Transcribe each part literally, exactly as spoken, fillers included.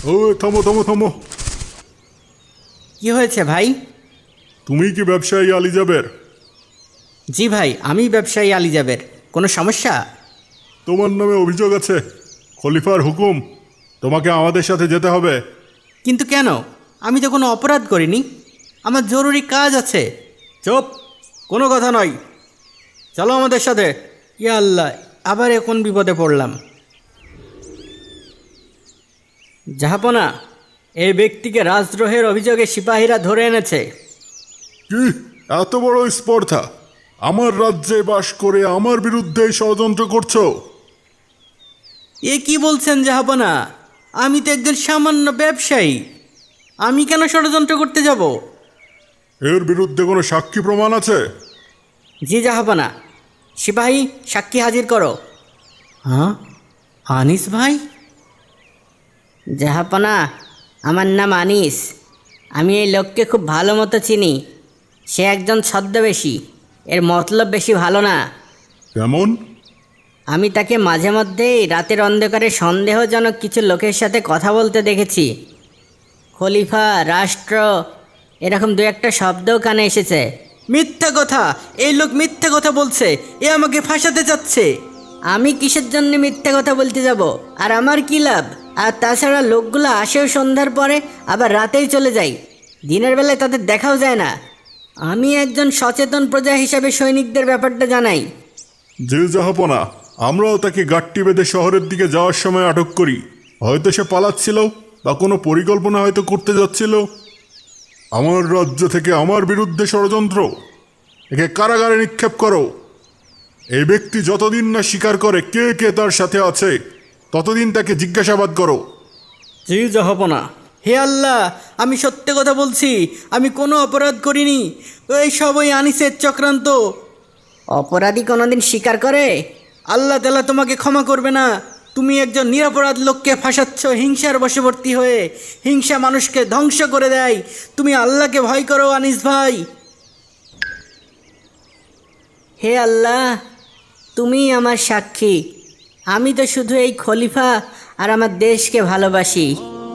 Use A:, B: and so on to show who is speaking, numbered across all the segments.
A: ও থামো থামো থামো।
B: কি হয়েছে ভাই?
A: তুমি কি ব্যবসায়ী আলী জাবের?
B: জি ভাই, আমি ব্যবসায়ী আলী জাবের। কোনো সমস্যা?
A: তোমার নামে অভিযোগ আছে। খলিফার হুকুম, তোমাকে আমাদের সাথে যেতে হবে।
B: কিন্তু কেন? আমি তো কোনো অপরাধ করিনি, আমার জরুরি কাজ আছে। চুপ, কোনো কথা নয়, চলো আমাদের সাথে। ইয়া আল্লাহ, আবার এখন বিপদে পড়লাম। জাহাপনা, এই ব্যক্তিকে রাজদ্রোহের অভিযোগে সিপাহীরা ধরে এনেছে।
A: কি এত বড় স্পর্ধা? আমার রাজ্যে বাস করে আমার বিরুদ্ধে ষড়যন্ত্র করছো?
B: এ কি বলছেন জাহাপনা? আমি তো একজন সামান্য ব্যবসায়ী, আমি কেন ষড়যন্ত্র করতে যাব?
A: এর বিরুদ্ধে কোনো সাক্ষী প্রমাণ আছে?
B: জি জাহাপনা। সিপাহী, সাক্ষী হাজির করো। হ্যাঁ, আনিস ভাই?
C: জাহাপনা, আমার নাম আনিস। আমি এই লোককে খুব ভালো মতো চিনি। সে একজন ছদ্মবেশী, এর মতলব বেশি ভালো না।
A: কেমন?
C: আমি তাকে মাঝে মধ্যেই রাতের অন্ধকারে সন্দেহজনক কিছু লোকের সাথে কথা বলতে দেখেছি। খলিফা, রাষ্ট্র, এরকম দু একটা শব্দও কানে এসেছে।
B: মিথ্যা কথা! এই লোক মিথ্যা কথা বলছে, এ আমাকে ফাঁসাতে চাচ্ছে।
C: আমি কিসের জন্য মিথ্যে কথা বলতে যাব? আর আমার কী লাভ? আর তাছাড়া লোকগুলো আসেও সন্ধ্যার পরে, আবার রাতেই চলে যায়। দিনের বেলায় তাদের দেখাও যায় না। আমি একজন সচেতন প্রজা হিসাবে সৈনিকদের ব্যাপারটা জানাই।
A: যে জাহাপনা, আমরাও তাকে গাট্টি বেঁধে শহরের দিকে যাওয়ার সময় আটক করি। হয়তো সে পালাচ্ছিল বা কোনো পরিকল্পনা হয়তো করতে যাচ্ছিল। আমার রাজ্য থেকে আমার বিরুদ্ধে ষড়যন্ত্র, একে কারাগারে নিক্ষেপ করো। এই ব্যক্তি যতদিন না স্বীকার করে কে কে তার সাথে আছে, ততদিন তাকে জিজ্ঞাসাবাদ করো।
B: জি জাহাপনা। হে আল্লাহ, আমি সত্যি কথা বলছি, আমি কোনো অপরাধ করিনি। এই সব ওই আনিসের চক্রান্ত।
C: অপরাধী কোনোদিন স্বীকার করে?
B: আল্লাহ তাআলা তোমাকে ক্ষমা করবে না। তুমি একজন নিরপরাধ লোককে ফাঁসাচ্ছ হিংসার বশবর্তী হয়ে। হিংসা মানুষকে ধ্বংস করে দেয়। তুমি আল্লাহকে ভয় করো আনিস ভাই।
C: হে আল্লাহ, তুমি আমার সাক্ষী। আমি তো শুধু এই খলিফা আর আমার দেশকে ভালোবাসি।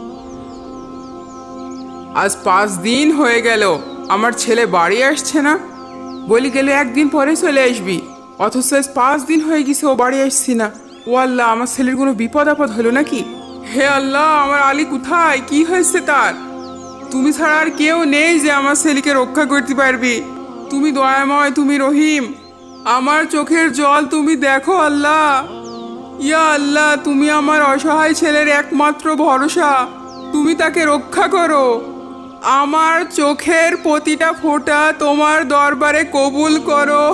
D: আজ পাঁচ দিন হয়ে গেল আমার ছেলে বাড়ি আসছে না। বলি গেলে একদিন পরে চলে আসবি, অথচ আজ পাঁচ দিন হয়ে গেছে ও বাড়ি আসছি না। ও আল্লাহ, আমার ছেলের কোনো বিপদ আপদ হলো নাকি? হে আল্লাহ, আমার আলী কোথায়? কি হয়েছে তার? তুমি ছাড়া আর কেউ নেই যে আমার ছেলেকে রক্ষা করতে পারবি। তুমি দয়াময়, তুমি রহিম। আমার চোখের জল তুমি দেখো আল্লাহ। ইয়া আল্লাহ, তুমি আমার অসহায় ছেলের একমাত্র ভরসা। তুমি তাকে রক্ষা করো। আমার চোখের প্রতিটা ফোঁটা তোমার দরবারে কবুল করো।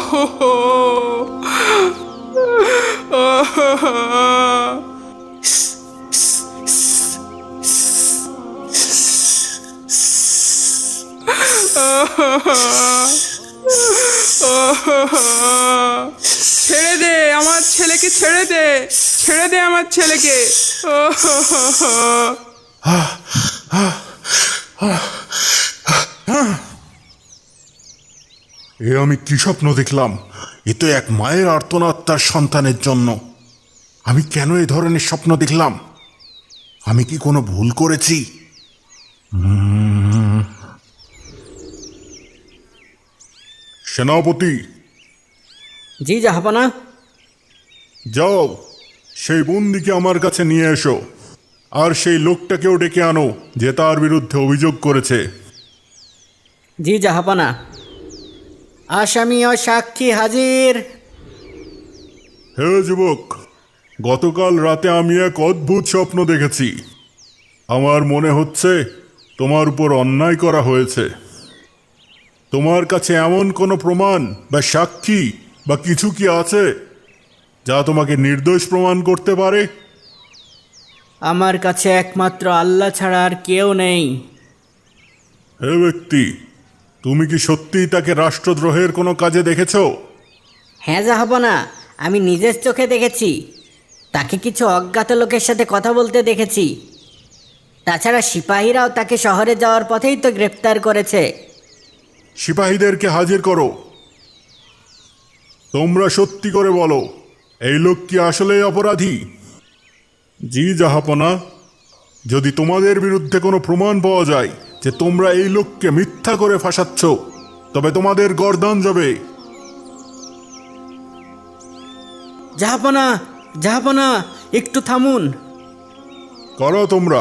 D: ছেড়ে দে আমার ছেলেকে, ছেড়ে দে, ছেড়ে দে আমার ছেলেকে।
A: এ আমি কি স্বপ্ন দেখলাম? এ তো এক মায়ের আর্তনাদ তার সন্তানের জন্য। আমি কেন এই ধরনের স্বপ্ন দেখলাম? আমি কি কোনো ভুল করেছি? সেনাপতি,
B: জি জাহাপনা।
A: যাও, সেই বন্দিকে আমার কাছে নিয়ে এসো। আর সেই লোকটাকেও ডেকে আনো যে তার বিরুদ্ধে অভিযোগ করেছে।
B: জি জাহাপনা। আসামি ও সাক্ষী হাজির।
A: হে যুবক, গতকাল রাতে আমি এক অদ্ভুত স্বপ্ন দেখেছি। আমার মনে হচ্ছে তোমার উপর অন্যায় করা হয়েছে। তোমার কাছে এমন কোনো প্রমাণ বা সাক্ষী বা কিছু কি আছে যা তোমাকে নির্দোষ প্রমাণ করতে পারে?
B: আমার কাছে একমাত্র আল্লাহ ছাড়া আর কেউ নেই।
A: হে ব্যক্তি, তুমি কি সত্যিই তাকে রাষ্ট্রদ্রোহের কোনো কাজে দেখেছো?
C: হ্যাঁ জাহাপনা, আমি নিজের চোখে দেখেছি। তাকে কিছু অজ্ঞাত লোকের সাথে কথা বলতে দেখেছি। তাছাড়া সিপাহীরাও তাকে শহরে যাওয়ার পথেই তো গ্রেপ্তার করেছে।
A: সিপাহীদেরকে হাজির করো। তোমরা সত্যি করে বলো, এই লোক কি আসলেই অপরাধী? জি জাহাপনা, যদি তোমাদের বিরুদ্ধে কোনো প্রমাণ পাওয়া যায় যে তোমরা এই লোককে মিথ্যা করে ফাঁসাচ্ছ, তবে তোমাদের গর্দান যাবে।
B: জাহাপনা, জাহাপনা, একটু থামুন।
A: করো তোমরা।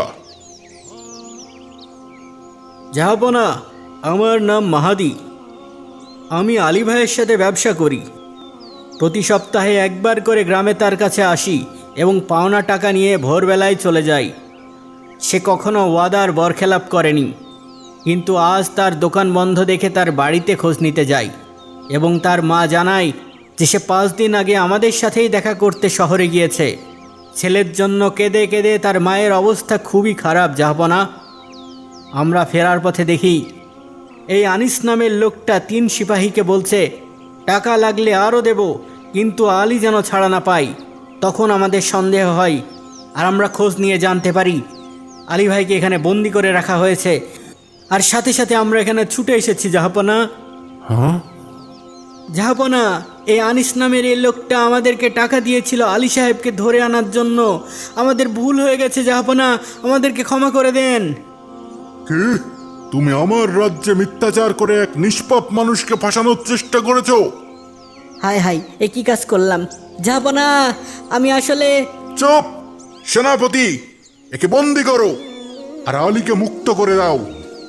B: জাহাপনা, আমার নাম মাহাদি। আমি আলী ভাইয়ের সাথে ব্যবসা করি। প্রতি সপ্তাহে একবার করে গ্রামে তার কাছে আসি এবং পাওনা টাকা নিয়ে ভোরবেলায় চলে যাই। সে কখনো ওয়াদার বরখেলাপ করেনি, কিন্তু আজ তার দোকান বন্ধ দেখে তার বাড়িতে খোঁজ নিতে যাই এবং তার মা জানায় যে সে পাঁচ দিন আগে আমাদের সাথেই দেখা করতে শহরে গিয়েছে। ছেলের জন্য কেঁদে কেঁদে তার মায়ের অবস্থা খুবই খারাপ জাহাপনা। আমরা ফেরার পথে দেখি এই আনিস নামের লোকটা তিন সিপাহীকে বলছে টাকা লাগলে আরও দেব, কিন্তু আলী যেন ছাড়া না পাই। তখন আমাদের সন্দেহ হয় আর আমরা খোঁজ নিয়ে জানতে পারি আলী ভাইকে এখানে বন্দি করে রাখা হয়েছে। আর সাথে সাথে আমরা এখানে ছুটে এসেছি জাহাপনা।
A: হ্যাঁ,
B: জাহাপনা, এই আনিস নামের এই লোকটা আমাদেরকে টাকা দিয়েছিল আলী সাহেবকে ধরে আনার জন্য। আমাদের ভুল হয়ে গেছে জাহাপনা, আমাদেরকে ক্ষমা করে দেন।
A: কি? তুমি আমার রাজ্যে মিথ্যাচার করে এক নিষ্পাপ মানুষকে ফাঁসানোর চেষ্টা করেছো?
C: হায় হায়, এ কি কাজ করলাম? জাহাপনা, আমি আসলে
A: চুপ! সেনাপতি, একে বন্দি করো আর আলীকে মুক্ত করে দাও।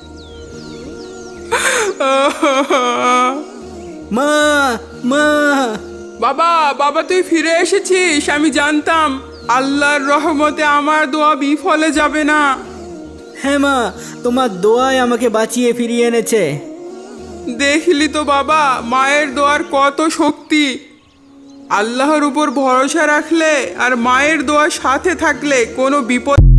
B: মা, মা!
D: বাবা, বাবা তুই ফিরে এসেছিস। আমি জানতাম আল্লাহর রহমতে আমার দোয়া বিফলে যাবে না।
B: হ্যাঁ মা, তোমার দোয়ায় আমাকে বাঁচিয়ে ফিরিয়ে এনেছে।
D: দেখলি তো বাবা, মায়ের দোয়ার কত শক্তি। আল্লাহর উপর ভরসা রাখলে আর মায়ের দোয়ার সাথে থাকলে কোনো বিপদ